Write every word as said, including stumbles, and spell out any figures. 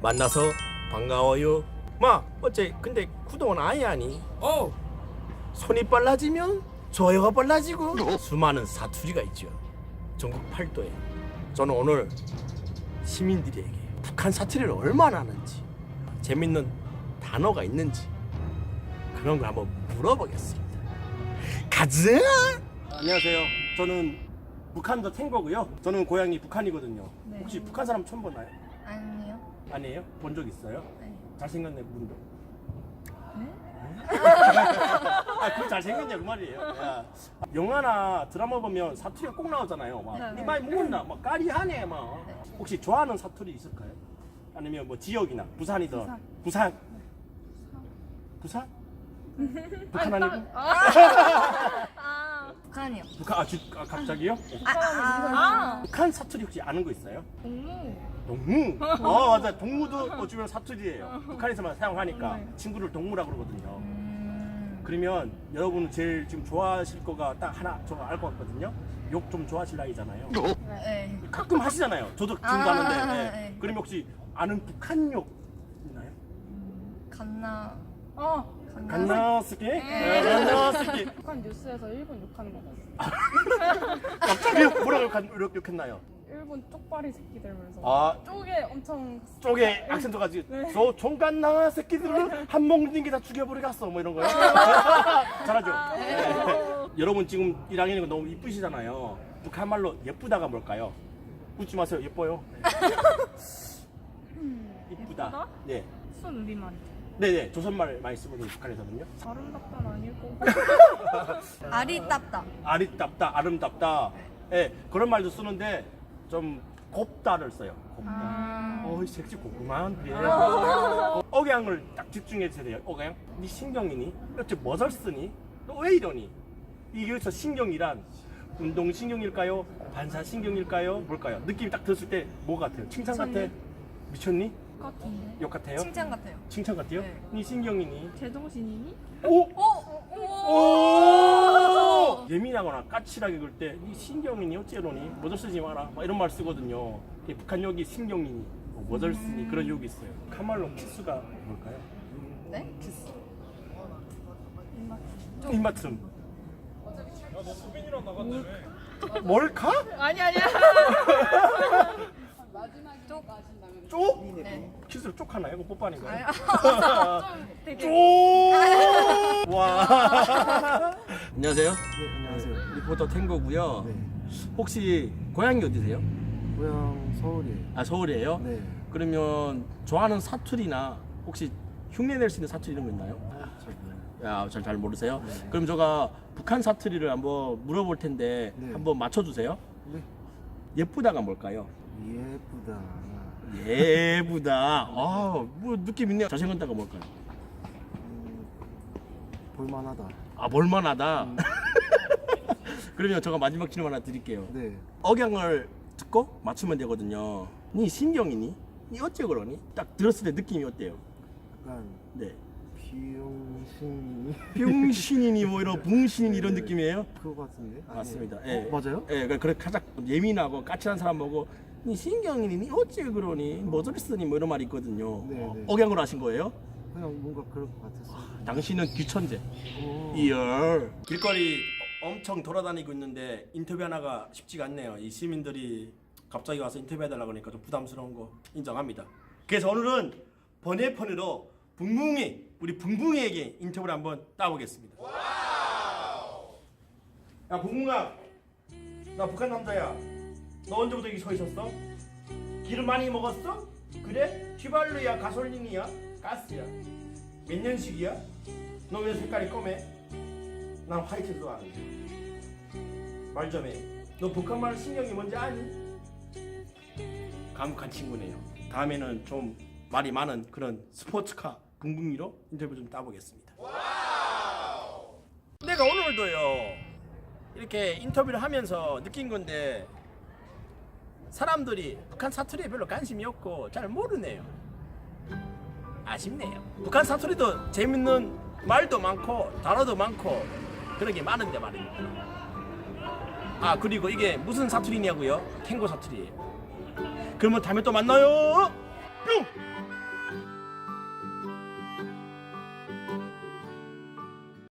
만나서 반가워요. 마 어째 근데 그동안 아예 하니? 어 손이 빨라지면 좋아요가 빨라지고 수많은 사투리가 있죠. 전국 팔도에. 저는 오늘 시민들에게 북한 사투리를 얼마나 하는지 재밌는 단어가 있는지 그런 걸 한번 물어보겠습니다. 가자. 안녕하세요. 저는 북한도 탱고고요. 저는 고향이 북한이거든요. 네. 혹시 북한 사람 처음 보나요? 아니요. 아니에요? 본 적 있어요? 네. 잘생겼네 분도. 네? 아, 그 잘생겼냐 그 말이에요. 야, 영화나 드라마 보면 사투리가 꼭 나오잖아요. 막 네, 네. 니 많이 먹었나? 막 까리하네 막. 네. 혹시 좋아하는 사투리 있을까요? 아니면 뭐 지역이나 부산이든 부산. 부산? 부산? 북한 아니고? 아, 북한이요. 북한 아, 주, 아 갑자기요? 아, 아, 북한 사투리 혹시 아는 거 있어요? 동무. 동무? 어 맞아 동무도 어쩌면 사투리예요. 북한에서만 사용하니까 네. 친구를 동무라 그러거든요. 음, 그러면 여러분 제일 지금 좋아하실 거가 딱 하나 저 알 것 같거든요. 욕 좀 좋아하실 나이잖아요. 네. 가끔 하시잖아요. 저도 지금 아, 가는데. 네. 네. 그럼 혹시 아는 북한 욕 있나요? 갓나. 어, 갓나. 간나스키? 네, 간나스키. 북한 뉴스에서 일본 욕하는 거 봤어. 갑자기 뭐라고 욕한- 이렇게 욕했나요? 일본 쪽발이 새끼들면서 아 쪽에 엄청 쪽에 악센트 가지고 네. 저 종간나 새끼들은 한 먹는 게 다 죽여버리겠어 뭐 이런 거요. 잘하죠. 네. 여러분 지금 일 학년이고 너무 이쁘시잖아요. 북한 말로 예쁘다가 뭘까요? 웃지 마세요. 예뻐요. 이쁘다. 예쁘다? 네. 순 우리말. 네네. 조선말 많이 쓰거든요. 북한에서는요. 아름답다는 아닐 거고. 아리따따. 아리답다, 아름답다. 예, 그런 말도 쓰는데 좀 곱다를 써요. 곱다. 아. 어이 섹시 고구만. 예. 어, 억양을 딱 집중해 주세요. 돼요. 억양. 네 신경이니? 어째 뭐를 쓰니? 너 왜 이러니? 이게 여기서 신경이란 운동신경일까요? 반사신경일까요? 뭘까요? 느낌이 딱 들었을 때 뭐 같아요? 칭찬 같아? 미쳤니? 미쳤니? 같은데. 욕 같아요? 칭찬 같아요. 칭찬 같아요? 네. 네 신경이니? 제정신이니? 오! 오! 오! 예민하거나 까칠하게 그럴 때 이 신경이니 어째로니 뭐들 쓰지 마라 막 이런 말 쓰거든요. 이 북한 욕이 신경이니 뭐 뭐들 쓰니 그런 욕이 있어요. 북한말로 키스가 뭘까요? 네? 키스 입맛. 입맞춤. 뭘까? 아니 아니야. 쪽. 쪽? 네. 키스를 쪽 하나요? 이거 뽀뽀하는 거예요? 좀 되게. 쪽! 와. 안녕하세요. 네, 안녕하세요. 리포터 탱고고요. 네. 혹시 고향이 어디세요? 고향 서울이에요. 아 서울이에요? 네. 그러면 좋아하는 사투리나 혹시 흉내 낼 수 있는 사투리 이런 거 있나요? 잘 몰라요. 야, 잘, 잘 모르세요? 네. 그럼 제가 북한 사투리를 한번 물어볼 텐데 네. 한번 맞춰주세요. 네. 예쁘다가 뭘까요? 예쁘다. 예쁘다. 아, 뭐 느낌 있네요. 잘생겼다가 뭘까요? 음, 볼만하다. 아, 볼만하다. 그러면 제가 마지막 질문 하나 드릴게요. 네. 억양을 듣고 맞추면 되거든요. 니 신경이니? 니 어째 그러니? 딱 들었을 때 느낌이 어때요? 약간 네. 비용신이 병신이니 뭐 이런 붕신이니 이런 느낌이에요? 그거 같은데? 아니에요? 맞습니다. 어, 예. 맞아요? 예, 그래 가장 예민하고 까칠한 사람 보고 니 신경이니 니 어째 그러니 뭐들 쓰니 뭐 이런 말이 있거든요. 네, 어, 네. 억양으로 하신 거예요? 그냥 뭔가 그럴 것 같았어요. 당신은 귀천재. 오. 이열. 길거리 엄청 돌아다니고 있는데 인터뷰 하나가 쉽지가 않네요. 이 시민들이 갑자기 와서 인터뷰해달라고 하니까 좀 부담스러운 거 인정합니다. 그래서 오늘은 번외편으로 붕붕이 우리 붕붕이에게 인터뷰를 한번 따보겠습니다. 야 붕붕아, 나 북한 남자야. 너 언제부터 여기 서 있었어? 기름 많이 먹었어? 그래? 휘발유야 가솔린이야? 가스야? 몇 년식이야? 너 왜 색깔이 검해? 난 화이트 좋아하는데. 말 좀 해. 너 북한말 신경이 뭔지 아니? 감옥한 친구네요. 다음에는 좀 말이 많은 그런 스포츠카 붕붕이로 인터뷰 좀 따보겠습니다. 내가 오늘도요 이렇게 인터뷰를 하면서 느낀 건데 사람들이 북한 사투리에 별로 관심이 없고 잘 모르네요. 아쉽네요. 북한 사투리도 재밌는 말도 많고 단어도 많고 그런 게 많은데 말입니다. 아 그리고 이게 무슨 사투리냐고요? 탱고 사투리예요. 그러면 다음에 또 만나요. 뿅!